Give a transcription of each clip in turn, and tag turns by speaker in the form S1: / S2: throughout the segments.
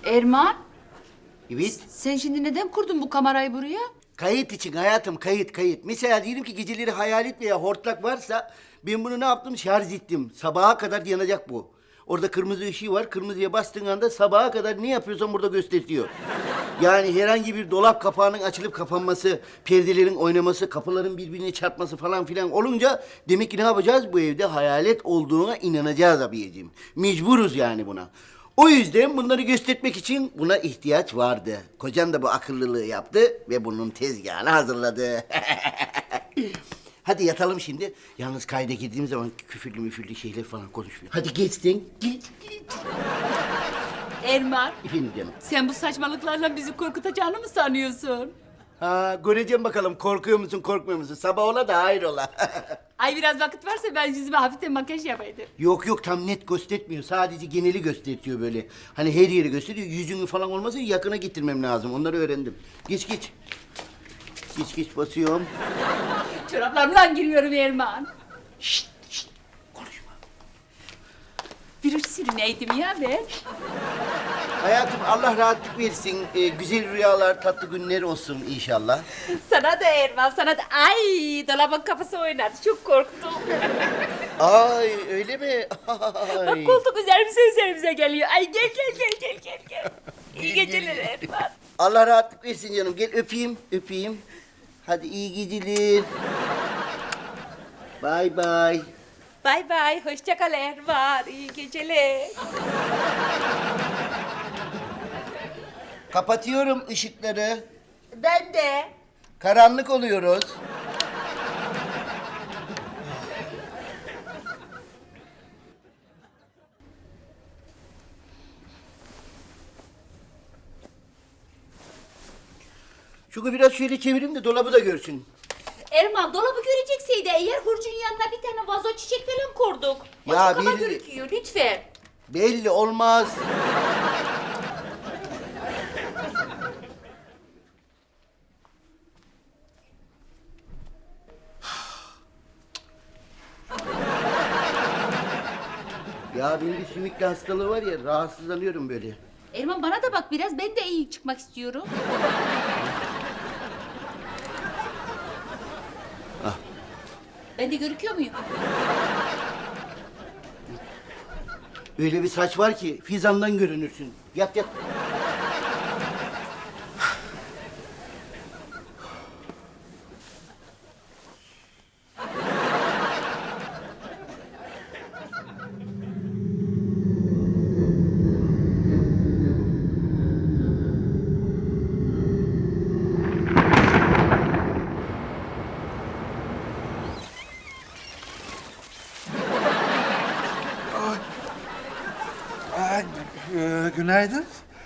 S1: Erman,
S2: Evet.
S1: sen şimdi neden kurdun bu kamerayı buraya?
S2: Kayıt için hayatım, kayıt. Mesela diyelim ki geceleri hayalet veya hortlak varsa ben bunu ne yaptım? Şarj ettim. Sabaha kadar yanacak bu. Orada kırmızı ışığı var. Kırmızıya bastığın anda sabaha kadar ne yapıyorsan burada gösteriyor. Yani herhangi bir dolap kapağının açılıp kapanması, perdelerin oynaması, kapıların birbirine çarpması falan filan olunca demek ki ne yapacağız? Bu evde hayalet olduğuna inanacağız abiyeciğim. Mecburuz yani buna. O yüzden bunları göstermek için buna ihtiyaç vardı. Kocan da bu akıllılığı yaptı ve bunun tezgahını hazırladı. Hadi yatalım şimdi. Yalnız kayda girdiğim zaman küfürlü müfürlü şeyler falan konuşmuyor. Hadi geçtin. Git.
S1: Erman,
S2: Efendim canım.
S1: sen bu saçmalıklarla bizi korkutacağını mı sanıyorsun?
S2: Ha, göreceğim bakalım korkuyor musun korkmuyor musun? Sabah ola da hayır ola.
S1: Ay biraz vakit varsa ben yüzüme hafiften makyaj yapaydım.
S2: Yok tam net göstermiyor. Sadece geneli gösteriyor böyle. Hani her yeri gösteriyor. Yüzünü falan olmasa yakına getirmem lazım. Onları öğrendim. Geç. Geç basıyorum.
S1: Çoraplarımla giriyorum Erman.
S2: Şşt, konuşma.
S1: Bir sürüneydim ya ben.
S2: Hayatım Allah rahatlık versin. Güzel rüyalar, tatlı günler olsun inşallah.
S1: Sana da Erman, sana da. Ay dolabın kafası oynadı, çok korktum.
S2: Ay öyle mi?
S1: Bak
S2: Ay.
S1: koltuk üzerimize geliyor. Ay gel. İyi geceler Erman.
S2: Allah rahatlık versin canım. Gel öpeyim. Hadi iyi geceler. Bye bye.
S1: Bay bay, hoşça kal Erman. İyi geceler.
S2: Kapatıyorum ışıkları.
S1: Ben de.
S2: Karanlık oluyoruz. Şunu biraz şöyle çevireyim de dolabı da görsün.
S1: Erman dolabı görecekseydi eğer hurcun yanına bir tane vazo çiçek falan kurduk. O
S2: Ya
S1: çok kaba
S2: belli.
S1: gözüküyor lütfen.
S2: Belli olmaz. Ya benim bir sümükle hastalığı var ya rahatsızlanıyorum böyle.
S1: Erman bana da bak biraz ben de iyi çıkmak istiyorum. Ben de görüküyor muyum?
S2: Öyle bir saç var ki fizandan görünürsün. Yat.
S3: Günaydın.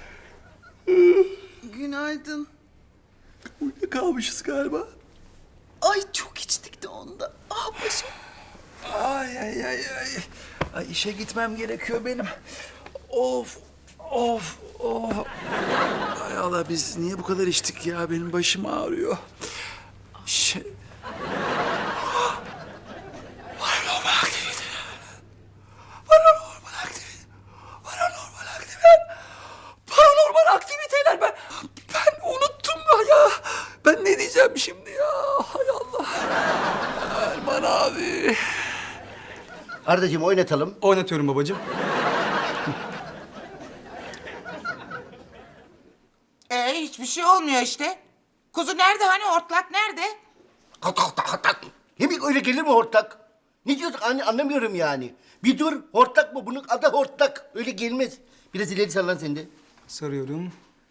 S4: Günaydın.
S3: Uyuyakalmışız galiba.
S4: Ay çok içtik de onda. Ah başım.
S3: Ay. Ay işe gitmem gerekiyor benim. Of. Ay Allah biz niye bu kadar içtik ya? Benim başım ağrıyor. Paranormal aktivite. Paranormal aktiviteler. Ben unuttum ya. Ben ne diyeceğim şimdi ya? Hay Allah. Erman abi.
S2: Ardacığım oynatalım.
S5: Oynatıyorum babacığım.
S4: Hiçbir şey olmuyor işte. Kuzu nerede hani hortlak nerede?
S2: Hortlak. Yemek öyle gelir mi hortlak? Ne diyorsun anne anlamıyorum yani. Bir dur hortlak mı? Bunun adı hortlak. Öyle gelmez. Biraz ileri sallan sen de.
S5: Sarıyorum.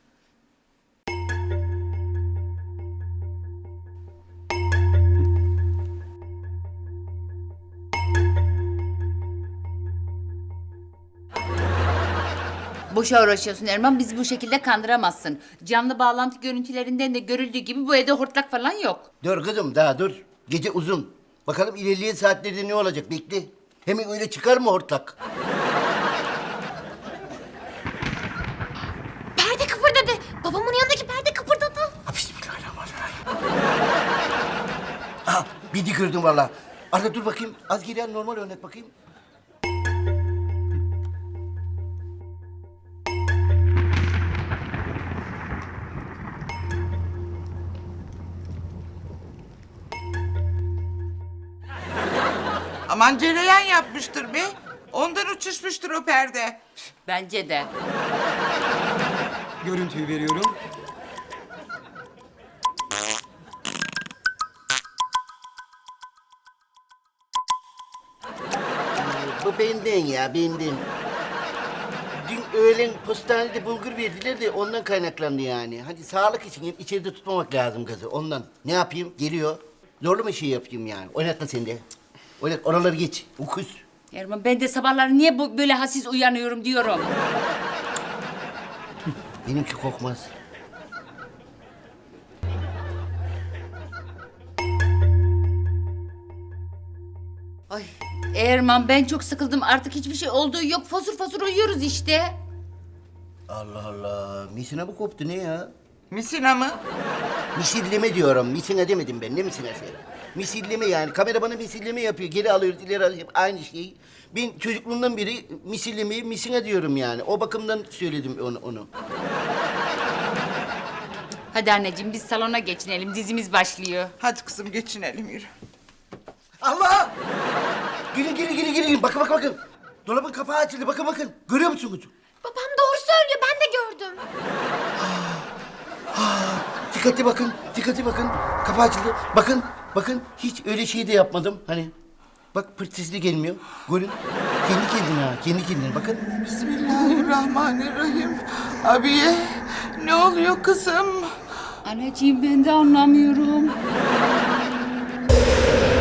S1: Boşa uğraşıyorsun Erman, bizi bu şekilde kandıramazsın. Canlı bağlantı görüntülerinden de görüldüğü gibi bu evde hortlak falan yok.
S2: Dur kızım daha dur. Gece uzun. Bakalım ilerleyen saatlerde ne olacak bekle. Hemen öyle çıkar mı hortlak?
S6: Perde kıpırdadı. Babamın yanındaki perde kıpırdadı.
S2: Ha, bismillahirrahmanirrahim. Aha bir dik gördüm valla. Arda dur bakayım. Az geri al normal oynat bakayım.
S4: zaman cereyan yapmıştır be. Ondan uçuşmuştur o perde.
S1: Bence de.
S5: Görüntüyü veriyorum.
S2: Bu benden ya, benden. Dün öğlen postanede bulgur verdiler de ondan kaynaklandı yani. Hadi sağlık için içeride tutmamak lazım kızı ondan. Ne yapayım? Geliyor. Zorlu mu şey yapayım yani? Oynatma sen de. Oynat, oraları geç. Ukuz.
S1: Erman ben de sabahları niye böyle hassiz uyanıyorum diyorum.
S2: Benimki kokmaz.
S1: Ay Erman ben çok sıkıldım artık hiçbir şey olduğu yok. Fosur fosur uyuyoruz işte.
S2: Allah Allah. Misina bu koptu ne ya?
S4: Misina mı?
S2: Misilleme diyorum. Misina demedim ben. Ne misinası? Misilleme yani. Kamera bana misilleme yapıyor. Geri alıyoruz, ileri alıyoruz. Aynı şey. Ben çocukluğumdan beri misillemeyi misina diyorum yani. O bakımdan söyledim onu.
S1: Hadi anneciğim biz salona geçinelim dizimiz başlıyor.
S4: Hadi kızım geçinelim yürü.
S2: Allah! Gelin. Bakın. Dolabın kapağı açıldı. Bakın. Görüyor musunuz?
S6: Babam doğru söylüyor ben de gördüm.
S2: Dikkatli bakın. Kapağı açıldı. Bakın. Hiç öyle şey de yapmadım. Hani bak pırt sesli gelmiyor. Görün. Kendi kendine bakın.
S4: Bismillahirrahmanirrahim. Abiye ne oluyor kızım?
S1: Anneciğim ben de anlamıyorum.